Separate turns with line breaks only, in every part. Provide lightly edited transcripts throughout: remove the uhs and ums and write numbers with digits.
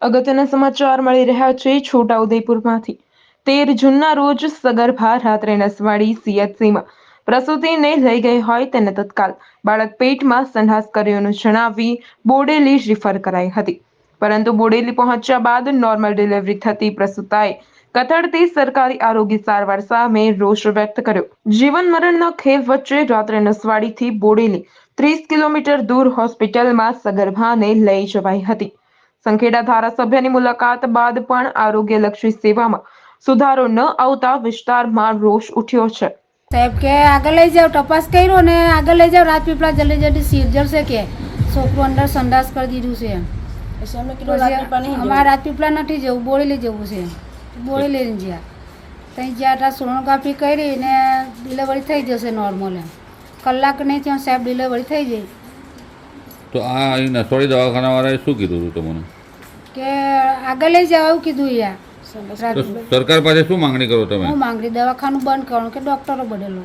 અગત્યના સમાચાર મળી રહ્યા છે છોટાઉદેપુરમાંથી। 13 જૂનના રોજ સગર્ભા રાત્રે નસવાડી સીએચસીમાં પ્રસૂતિને લઈ ગઈ હોય તેને તત્કાલ બાળક પેટમાં સંડાસ કર્યોનું જણાવી બોડેલી રિફર કરાઈ હતી, પરંતુ બોડેલી પહોંચ્યા બાદ નોર્મલ ડિલિવરી થતી પ્રસૂતાએ કથળતી સરકારી આરોગ્ય સારવાર સામે રોષ વ્યક્ત કર્યો। જીવન મરણના ખેલ વચ્ચે રાત્રે નસવાડીથી બોડેલી 30 કિલોમીટર દૂર હોસ્પિટલમાં સગર્ભાને લઈ જવાઈ હતી। સંખેડા ધારાસભ્યની મુલાકાત બાદ પણ આરોગ્યલક્ષી સેવામાં સુધારો ન આવતા વિસ્તારમાં રોષ ઉઠ્યો છે।
સાહેબ કે આગળ લઈ જાઓ, તપાસ કર્યો ને આગળ લઈ જાઓ, રાજપીપળા જલ્દી જલ્દી સિરજર છે કે છોકરું અંદર સંડાસ કરી દીધું છે। અમારે રાજપીપળા નથી જવું, બોડેલી જવું છે, બોડેલી જ્યાં ત્યાં જ્યાં સોનોગ્રાફી કરી ને ડિલિવરી થઈ જશે નોર્મલ, કલાક નહીં ત્યાં સાહેબ ડિલિવરી થઈ જાય।
તો આ નસવાડી દવાખાનાવાળાએ શું કીધું હતું તમને?
કે આગળ લઈ જાવ એવું કીધું યાર।
સરકાર પાસે શું માંગણી કરો તમે?
હું માંગણી દવાખાનું બંધ કરવાનું કે ડોક્ટરો બદલો।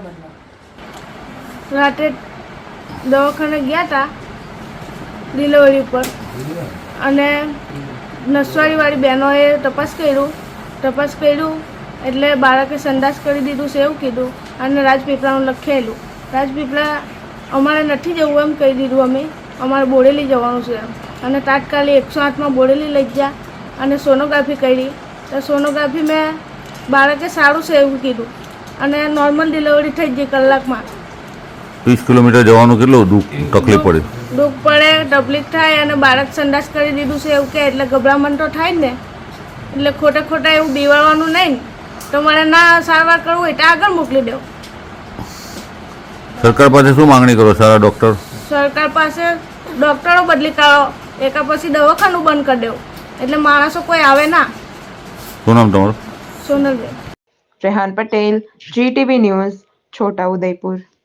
રાતે દવાખાને ગયા હતા ડિલિવરી પર અને નસવાડીવાળી બહેનોએ તપાસ કર્યું એટલે બાળકે સંડાસ કરી દીધું છે એવું કીધું અને રાજપીપળાનું લખેલું। રાજપીપળા અમારે નથી જવું એમ કહી દીધું, અમારે બોડેલી જવાનું છે અને તાત્કાલિક 108માં બોડેલી લઈ ગયા અને સોનોગ્રાફી કરી તો સોનોગ્રાફી મેં બાળકે સારું છે એવું કીધું અને નોર્મલ ડિલિવરી થઈ ગઈ કલાકમાં।
30 કિલોમીટર જવાનું કેટલું તકલીફ પડે?
દુઃખ પડે, તકલીફ થાય અને બાળક સંડાસ કરી દીધું છે એવું કે એટલે ગભરામણ તો થાય જ ને, એટલે ખોટા એવું બીવાડવાનું નહીં ને, તો મારે ના સારવાર કરવું હોય તો આગળ મોકલી દો।
સરકાર પાસે શું માંગણી કરો? સારા ડૉક્ટર? સરકાર
પાસે ડૉક્ટરો બદલી કાઢો, એકા પછી દવાખાનું બંધ કરી દેવું એટલે માણસો કોઈ આવે ના।
શું નામ તમારું?
સોનલબેન।
Rehan Patel, GTV news, Chhota Udepur.